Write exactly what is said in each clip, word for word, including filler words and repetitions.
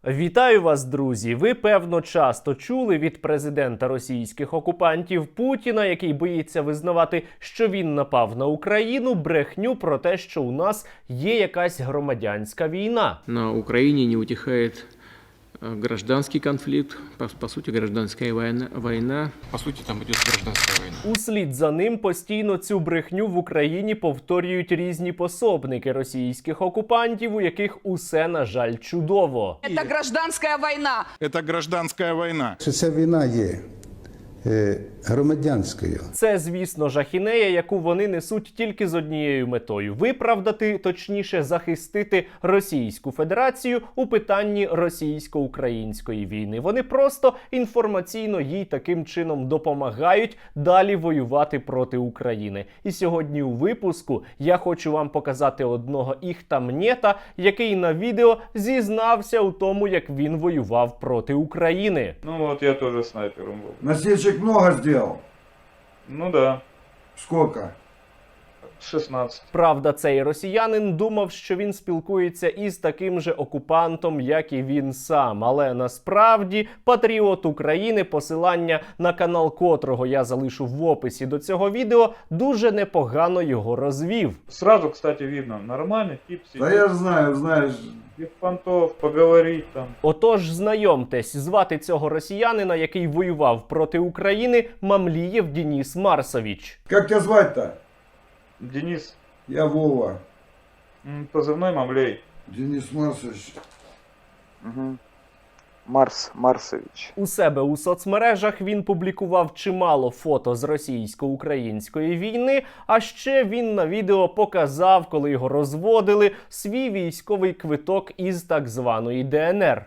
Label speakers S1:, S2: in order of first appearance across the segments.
S1: Вітаю вас, друзі! Ви, певно, часто чули від президента російських окупантів Путіна, який боїться визнавати, що він напав на Україну, брехню про те, що у нас є якась громадянська війна.
S2: На Украине не утихает гражданский конфликт, по, по сути, гражданская война, война. По сути, там идет гражданская война.
S1: Услід за ним постійно цю брехню в Україні повторюють різні пособники російських окупантів, у яких усе, на жаль, чудово.
S3: Это гражданская война.
S4: Это гражданская война.
S5: Що ця війна є е, громадянською.
S1: Це, звісно, жахінея, яку вони несуть тільки з однією метою – виправдати, точніше, захистити Російську Федерацію у питанні російсько-української війни. Вони просто інформаційно їй таким чином допомагають далі воювати проти України. І сьогодні у випуску я хочу вам показати одного іхтамнєта, який на відео зізнався у тому, як він воював проти України.
S6: Ну вот я тоже снайпером был.
S7: Насильщик много сделал?
S6: Ну да,
S7: Сколько?
S6: шестнадцать.
S1: Правда, цей росіянин думав, що він спілкується із таким же окупантом, як і він сам. Але насправді патріот України, посилання на канал котрого я залишу в описі до цього відео, дуже непогано його розвів.
S6: Сразу, кстати, видно, нормальный тип сидит.
S7: Да я ж знаю, знаешь.
S6: Без понтов, поговорить там.
S1: Отож, знайомтесь, звати цього росіянина, який воював проти України, Мамлієв Денис Марсович.
S7: Как тебя звать-то?
S6: Денис,
S7: Я Вова.
S6: м, позывной Мамлей.
S7: Денис Марсович.
S8: Угу. Марс Марсович.
S1: У себе у соцмережах він публікував чимало фото з російсько-української війни, а ще він на відео показав, коли його розводили, свій військовий квиток із так званої Д Н Р.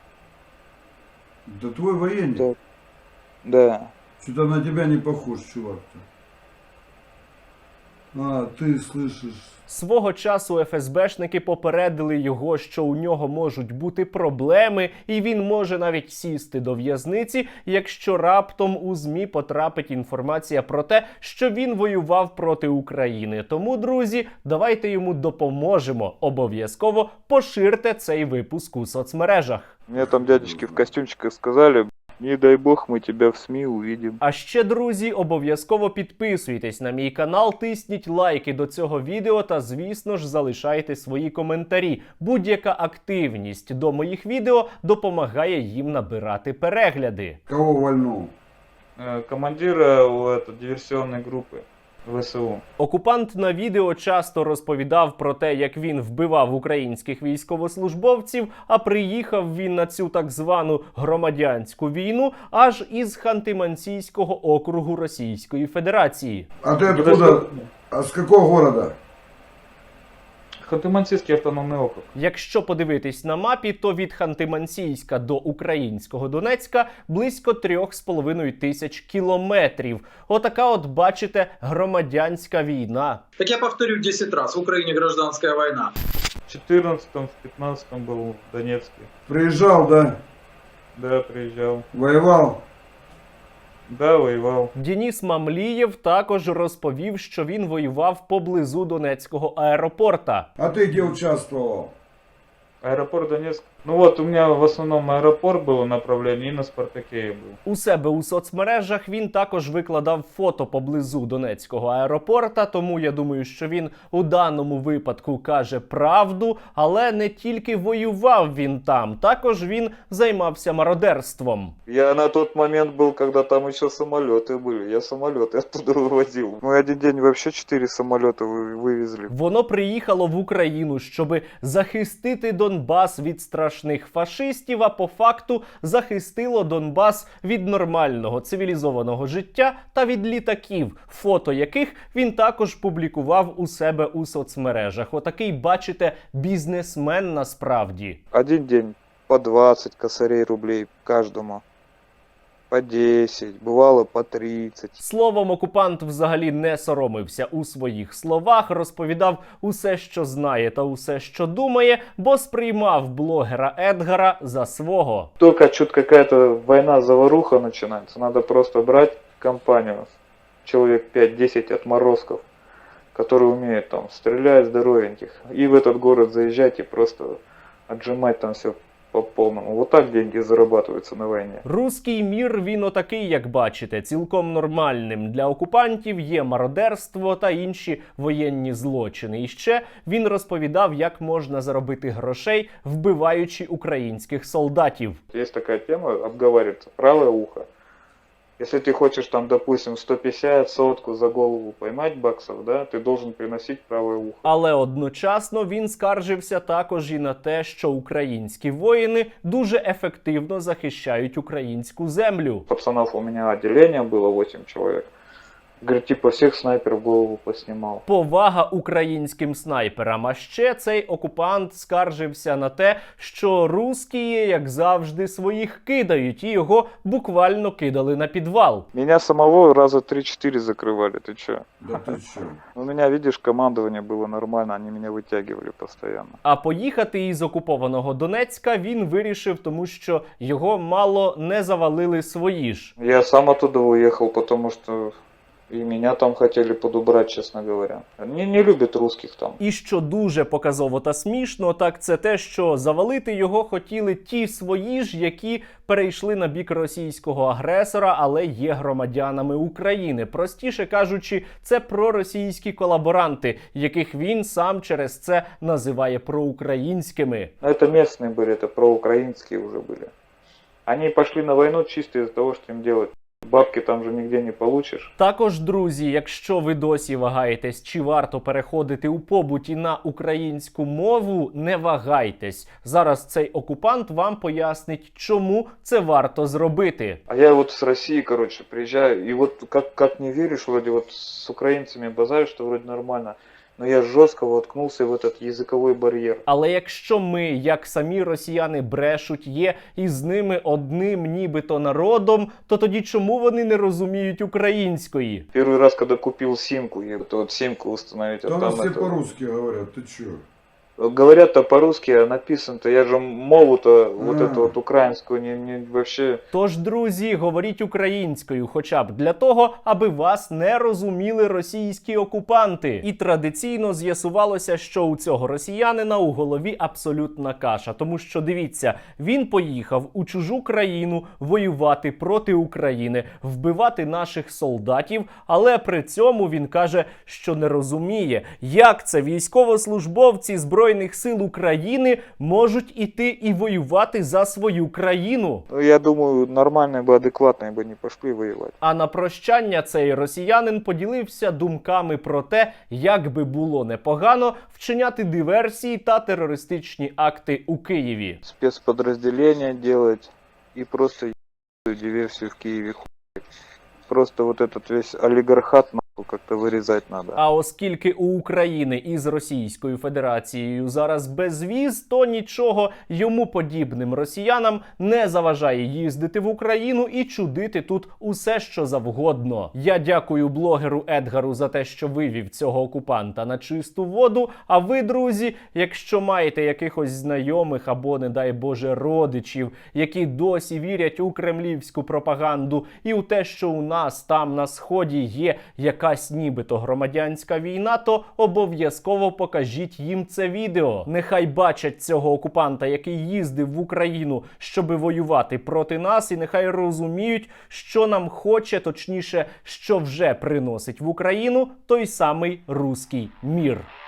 S7: Да твой военник.
S8: Да. Да.
S7: Что-то на тебя не похож, чувак-то. А, ты слышишь.
S1: Свого часу еф ес бешники попередили його, що у нього можуть бути проблеми, і він може навіть сісти до в'язниці, якщо раптом у ЗМІ потрапить інформація про те, що він воював проти України. Тому, друзі, давайте йому допоможемо. Обов'язково поширте цей випуск у соцмережах.
S8: Мне там дядечки в костюмчиках сказали, не дай бог мы тебя в СМИ увидим.
S1: А ще, друзі, обов'язково підписуйтесь на мій канал, тисніть лайки до цього відео та, звісно ж, залишайте свої коментарі. Будь-яка активність до моїх відео допомагає їм набирати перегляди.
S7: Кого вольнул?
S6: Э, командира у этой диверсионной группы вэ эс у.
S1: Окупант на відео часто розповідав про те, як він вбивав українських військовослужбовців, а приїхав він на цю так звану громадянську війну аж із Ханты-Мансийського округу Російської Федерації.
S7: А ты откуда? А с какого города?
S6: Ханты-Мансийский автономный округ.
S1: Якщо подивитись на мапі, то від Ханти-Мансійська до українського Донецька близько трьох з половиною тисяч кілометрів. Отака от, бачите, громадянська війна.
S9: Так я повторю десять раз, в Украине гражданская война.
S6: В четырнадцатом, в пятнадцатом был в Донецке.
S7: Приезжал, да?
S6: Да, приезжал.
S7: Воевал?
S6: Да, воевал.
S1: Денис Мамлієв також розповів, що він воював поблизу Донецького аеропорта.
S7: А ты где участвовал?
S6: Аэропорт Донецк. Ну вот, у меня в основном аэропорт было направление, и на Спартаке я был.
S1: У себе у соцмережах він також викладав фото поблизу Донецького аеропорта, тому я думаю, що він у даному випадку каже правду, але не тільки воював він там, також він займався мародерством.
S8: Я на тот момент был, когда там еще самолеты были. Я самолеты оттуда вывозил. Мы один день вообще четыре самолета вы- вывезли.
S1: Воно приїхало в Україну, щоби захистити Донбас від страшних фашистів, а по факту захистило Донбас від нормального цивілізованого життя та від літаків, фото яких він також публікував у себе у соцмережах. Отакий, бачите, бізнесмен насправді.
S8: Один день по двадцать косарей рублей каждому. По десять, бывало по тридцать.
S1: Словом, окупант взагалі не соромився у своїх словах, розповідав усе, що знає та усе, що думає, бо сприймав блогера Едгара за свого.
S6: Только чуть какая-то война-заваруха начинается, надо просто брать компанию, человек пять-десять отморозков, которые умеют там стрелять здоровеньких, и в этот город заезжать и просто отжимать там все по полному. Вот так деньги зарабатываются на войне.
S1: Руський мір, він отакий, як бачите, цілком нормальним. Для окупантів є мародерство та інші воєнні злочини. І ще він розповідав, як можна заробити грошей, вбиваючи українських солдатів.
S6: Есть такая тема, обговаривается, правое ухо. Если ты хочешь там, допустим, сто пятьдесят, сотку за голову поймать баксов, да, ты должен приносить правое ухо.
S1: Але одночасно він скаржився також і на те, що українські воїни дуже ефективно захищають українську землю.
S6: Пацанов у меня отделение было восемь человек. Говорит, типа всех снайперов голову поснимал.
S1: Повага українським снайперам. А ще цей окупант скаржився на те, що русські, як завжди, своїх кидають, і його буквально кидали на підвал.
S6: Меня самого раза три-четыре закрывали, ты чё?
S7: Да ты чё?
S6: У меня, видишь, командование было нормально, они меня вытягивали постоянно.
S1: А поїхати із окупованого Донецька він вирішив, тому що його мало не завалили свої ж.
S6: Я сам оттуда уехал, потому что и меня там хотели подубрать, честно говоря. Они не любят русских там.
S1: І що дуже показово та смішно, так це те, що завалити його хотіли ті свої ж, які перейшли на бік російського агресора, але є громадянами України. Простіше кажучи, це проросійські колаборанти, яких він сам через це називає проукраїнськими.
S6: Но это местные были, это проукраинские уже были. Они пошли на войну чисто из-за того, что им делать. Бабки там же нигде не получишь.
S1: Також, друзі, якщо ви досі вагаєтесь, чи варто переходити у побуті на українську мову, не вагайтесь. Зараз цей окупант вам пояснить, чому це варто зробити.
S6: А я вот с России, короче, приезжаю, и вот как, как не веришь, вроде вот с украинцами базарю, что вроде нормально, но я жестко воткнулся в этот языковой барьер.
S1: Але якщо ми, як самі росіяни брешуть, є із ними одним нібито народом, то тоді чому вони не розуміють української?
S6: Первый раз, когда купил симку, я вот, вот симку установить, а
S7: Там
S6: там
S7: все
S6: это...
S7: по-русски говорят, ты чё?
S6: Говорят-то по-русски, а написано-то, я же мову-то, вот
S7: А.
S6: эту вот украинскую, не, не вообще...
S1: Тож, друзі, говоріть українською, хоча б для того, аби вас не розуміли російські окупанти. І традиційно з'ясувалося, що у цього росіянина у голові абсолютна каша. Тому що, дивіться, він поїхав у чужу країну воювати проти України, вбивати наших солдатів, але при цьому він каже, що не розуміє, як це військовослужбовці Збройних сил України можуть іти і воювати за свою країну.
S6: Ну, я думаю, нормальные бы, адекватные бы не пошли воевать.
S1: А на прощання цей росіянин поділився думками про те, як би було непогано вчиняти диверсії та терористичні акти у Києві.
S6: Спецподразделения делать и просто ебаную диверсию в Киеве хуй. Просто вот этот весь олигархат нахуй как-то вырезать надо.
S1: А оскільки у України із Російською Федерацією зараз безвіз, то нічого йому подібним росіянам не заважає їздити в Україну і чудити тут усе, що завгодно. Я дякую блогеру Едгару за те, що вивів цього окупанта на чисту воду. А ви, друзі, якщо маєте якихось знайомих або, не дай Боже, родичів, які досі вірять у кремлівську пропаганду і у те, що у нас там на Сході є якась нібито громадянська війна, то обов'язково покажіть їм це відео. Нехай бачать цього окупанта, який їздив в Україну, щоби воювати проти нас, і нехай розуміють, що нам хоче, точніше, що вже приносить в Україну той самий руський мір.